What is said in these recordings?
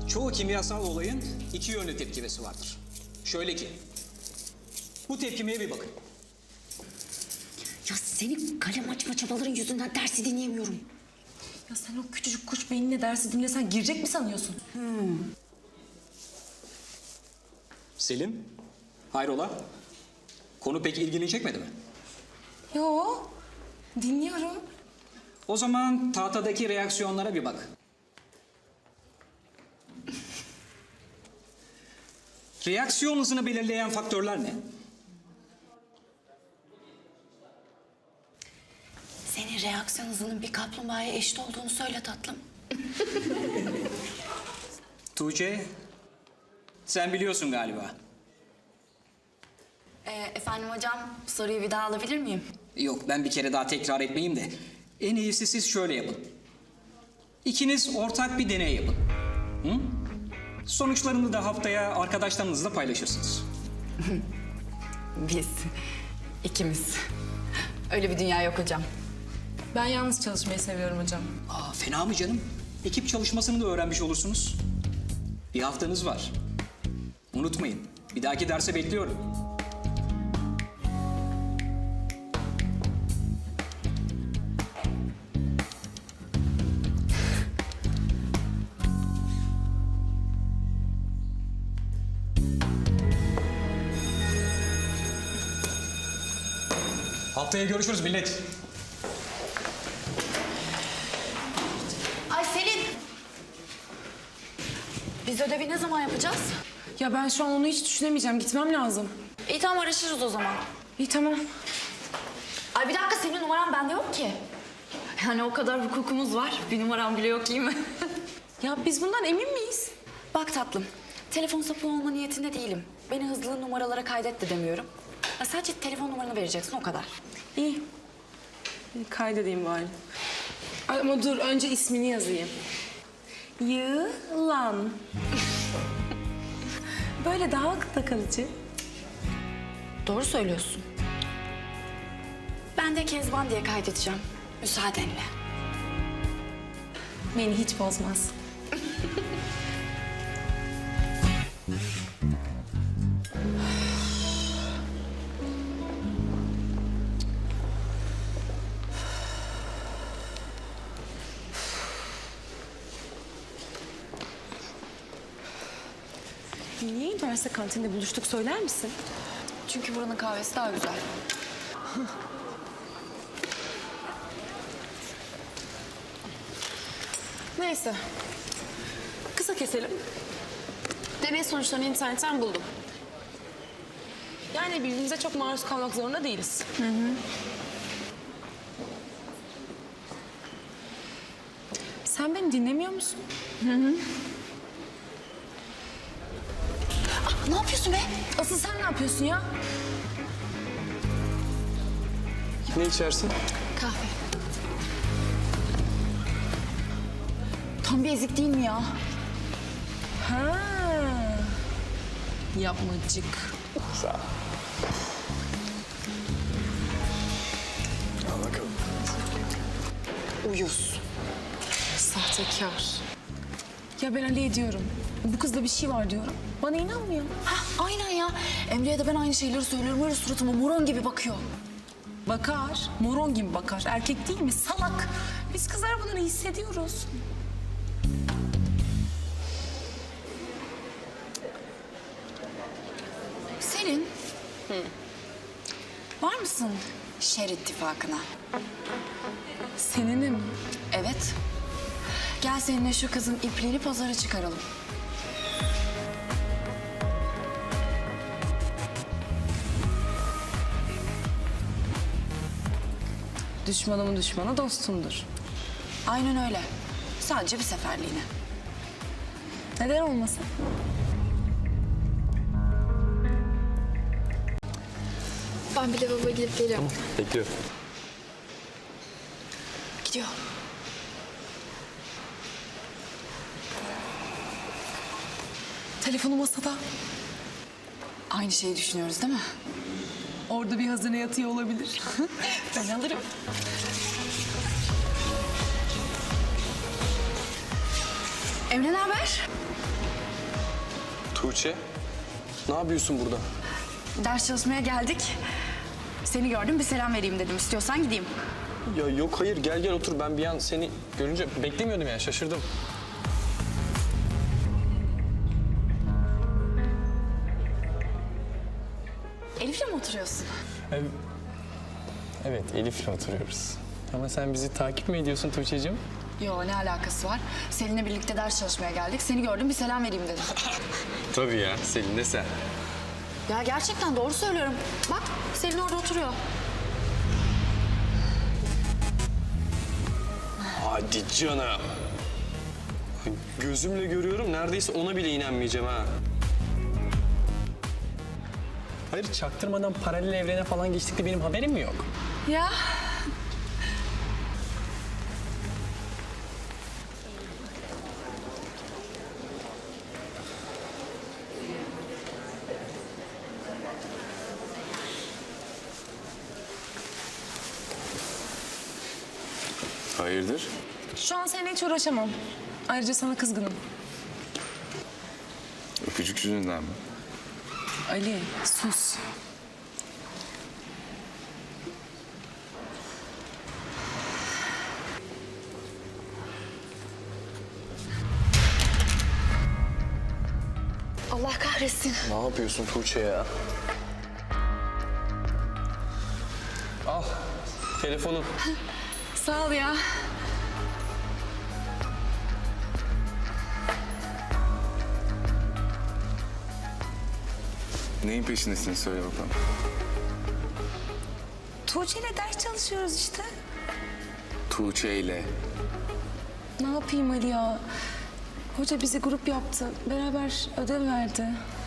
Çoğu kimyasal olayın iki yönlü tepkimesi vardır. Şöyle ki, bu tepkimeye bir bakın. Ya senin kalem açma çabaların yüzünden dersi dinleyemiyorum. Ya sen o küçücük kuş beyninle dersi dinlesen girecek mi sanıyorsun? Selim, hayrola? Konu pek ilgini çekmedi mi? Yo, dinliyorum. O zaman tahtadaki reaksiyonlara bir bak. Reaksiyon hızını belirleyen faktörler ne? Senin reaksiyon hızının bir kaplumbağaya eşit olduğunu söyle tatlım. Tuğçe, sen biliyorsun galiba. Efendim hocam, soruyu bir daha alabilir miyim? Yok, ben bir kere daha tekrar etmeyeyim de. En iyisi siz şöyle yapın. İkiniz ortak bir deney yapın. Hı? Sonuçlarını da haftaya arkadaşlarınızla paylaşırsınız. Biz, ikimiz. Öyle bir dünya yok hocam. Ben yalnız çalışmayı seviyorum hocam. Aa, fena mı canım? Ekip çalışmasını da öğrenmiş olursunuz. Bir haftanız var. Unutmayın, bir dahaki derse bekliyorum. Haftaya görüşürüz millet. Ay Selin! Biz ödevi ne zaman yapacağız? Ya ben şu an onu hiç düşünemeyeceğim. Gitmem lazım. İyi tamam, araşırız o zaman. İyi tamam. Ay bir dakika, senin numaran bende yok ki. Yani o kadar hukukumuz var. Bir numaram bile yok, iyi mi? Ya biz bundan emin miyiz? Bak tatlım, telefon sapı olma niyetinde değilim. Beni hızlı numaralara kaydet de demiyorum. Ya sadece telefon numaranı vereceksin, o kadar. İyi. Kaydedeyim bari. Ay, ama dur önce ismini yazayım. Yılan. Böyle daha akılda kalıcı. Doğru söylüyorsun. Ben de Kezban diye kaydedeceğim. Müsaadenle. Beni hiç bozmaz. Niye üniversite kantinde buluştuk söyler misin? Çünkü buranın kahvesi daha güzel. Neyse. Kısa keselim. Deney sonuçlarını internetten buldum. Yani birbirimize çok maruz kalmak zorunda değiliz. Sen beni dinlemiyor musun? Ne yapıyorsun be? Asıl sen ne yapıyorsun ya? Ne içersin? Kahve. Tam bir ezik değil mi ya? Ha. Yapmacık. Sağ ol. Al bakalım. Uyuz. Sahtekar. Ya ben Ali'ye diyorum. Bu kızda bir şey var diyorum. Bana inanmıyor. Hah, aynen ya. Emre'ye de ben aynı şeyleri söylüyorum. Öyle suratıma moron gibi bakıyor. Bakar. Moron gibi bakar. Erkek değil mi? Salak. Biz kızlar bunları hissediyoruz. Selin. Var mısın şer ittifakına? Seninim. Evet. Gel seninle şu kızın ipliğini pazara çıkaralım. Düşmanımın düşmanı dostumdur. Aynen öyle. Sadece bir seferliğine. Neden olmasın? Ben bir lavaboya gidip geliyorum. Bekliyorum. Gidiyor. Telefonu masada. Aynı şeyi düşünüyoruz değil mi? Orada bir hazine yatıyor olabilir. Ben alırım. Emre ne haber? Tuğçe, ne yapıyorsun burada? Ders çalışmaya geldik. Seni gördüm, bir selam vereyim dedim. İstiyorsan gideyim. Ya yok hayır, gel gel otur. Ben bir an seni görünce beklemiyordum yani, şaşırdım. Elif'le mi oturuyorsun? Evet, Elif'le oturuyoruz. Ama sen bizi takip mi ediyorsun Tuğçe'cim? Yo, ne alakası var? Selin'le birlikte ders çalışmaya geldik. Seni gördüm, bir selam vereyim dedim. Tabii ya, Selin de sen. Ya gerçekten doğru söylüyorum. Bak, Selin orada oturuyor. Hadi canım. Gözümle görüyorum, neredeyse ona bile inanmayacağım ha. Hayır, çaktırmadan paralel evrene falan geçtik de benim haberim mi yok? Ya. Hayırdır? Şu an seninle hiç uğraşamam. Ayrıca sana kızgınım. Öpücük yüzünden mi? Ali, sus. Allah kahretsin. Ne yapıyorsun Tuğçe ya? Al, telefonun. Sağ ol ya. Neyin peşindesin söyle bakalım. Tuğçe'yle ders çalışıyoruz işte. Tuğçe ile. Ne yapayım Ali ya? Hoca bizi grup yaptı. Beraber ödev verdi.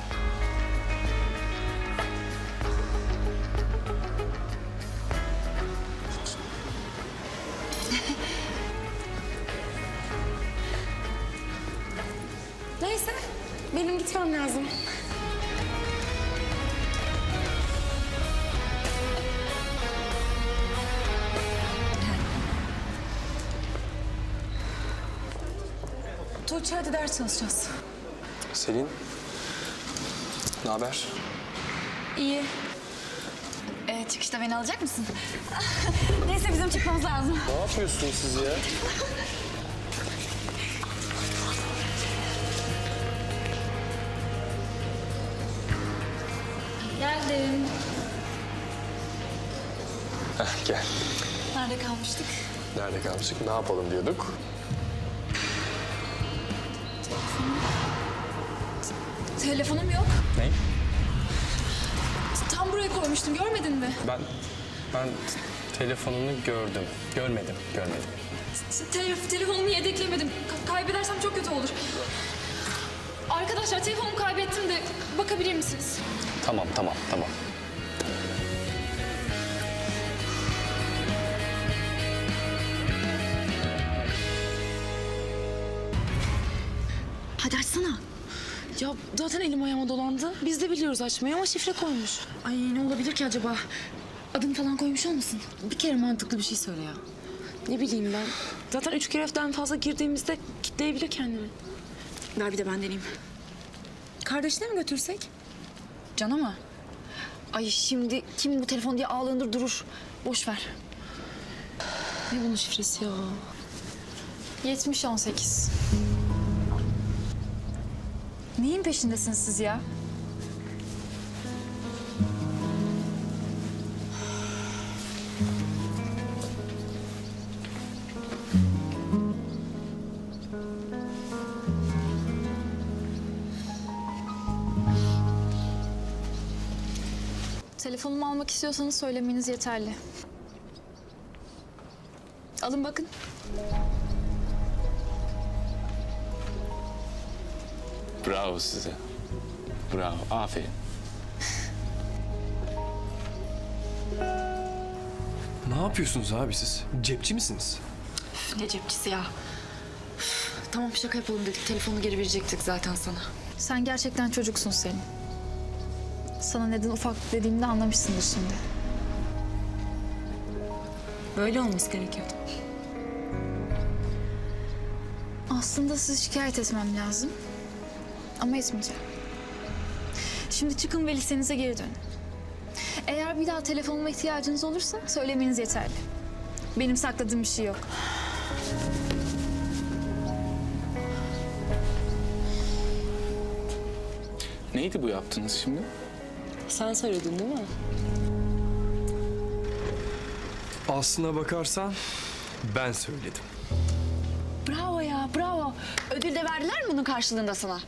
Neyse, benim gitmem lazım. Tuğçe hadi ders çalışacağız. Selin, ne haber? İyi. Çıkışta beni alacak mısın? Neyse bizim çıkmamız lazım. Ne yapıyorsunuz siz ya? Geldim. Heh, gel. Nerede kalmıştık? Nerede kalmıştık? Ne yapalım diyorduk? Telefonum yok. Ne? Tam buraya koymuştum, görmedin mi? Ben telefonunu gördüm. Görmedim. Telefonumu yedeklemedim. Kaybedersem çok kötü olur. Arkadaşlar telefonumu kaybettim de bakabilir misiniz? Tamam. Hadi açsana. Ya zaten elim ayağıma dolandı. Biz de biliyoruz açmayı ama şifre koymuş. Ay ne olabilir ki acaba? Adını falan koymuş olmasın? Bir kere mantıklı bir şey söyle ya. Ne bileyim ben. Zaten 3 kereften fazla girdiğimizde kitleyebilir kendini. Ver bir de ben deneyeyim. Kardeşine mi götürsek? Cana mı? Ay şimdi kim bu telefon diye ağlanır durur. Boş ver. Ne bunun şifresi ya? 70-18. Neyin peşindesiniz siz ya? Telefonumu almak istiyorsanız söylemeniz yeterli. Alın bakın. Bravo size. Bravo. Aferin. Ne yapıyorsunuz abi siz? Cepçi misiniz? Ne cepçisi ya. Tamam şaka yapalım dedik. Telefonu geri verecektik zaten sana. Sen gerçekten çocuksun Selin. Sana neden ufak dediğimde anlamışsındır şimdi. Böyle olması gerekiyordu. Aslında sizi şikayet etmem lazım. Ama etmeyeceğim. Şimdi çıkın ve lisenize geri dönün. Eğer bir daha telefonuma ihtiyacınız olursa söylemeniz yeterli. Benim sakladığım bir şey yok. Neydi bu yaptığınız şimdi? Sen söyledin değil mi? Aslına bakarsan ben söyledim. Bravo ya, bravo. Ödül de verdiler mi bunun karşılığında sana?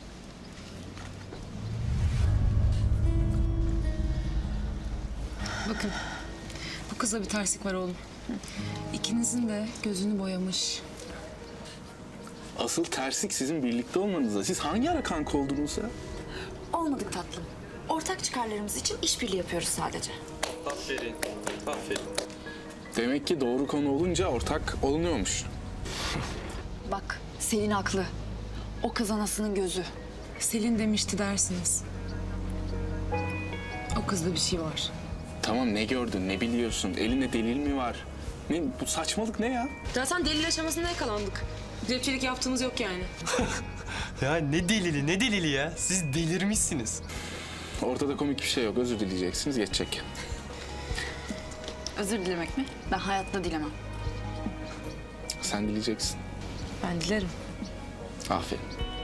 Bakın, bu kızda bir terslik var oğlum. İkinizin de gözünü boyamış. Asıl terslik sizin birlikte olmanızda. Siz hangi ara kanka oldunuz ya? Olmadık tatlım. Ortak çıkarlarımız için işbirliği yapıyoruz sadece. Aferin. Aferin. Demek ki doğru konu olunca ortak olunuyormuş. Bak, Selin haklı. O kız anasının gözü. Selin demişti dersiniz. O kızda bir şey var. Tamam, ne gördün, ne biliyorsun? Elinde delil mi var? Ne, bu saçmalık ne ya? Zaten delil aşamasında yakalandık. Rapçilik yaptığımız yok yani. Ya ne delili ya? Siz delirmişsiniz. Ortada komik bir şey yok. Özür dileyeceksiniz, geçecek. Özür dilemek mi? Ben hayatta dilemem. Sen dileyeceksin. Ben dilerim. Aferin.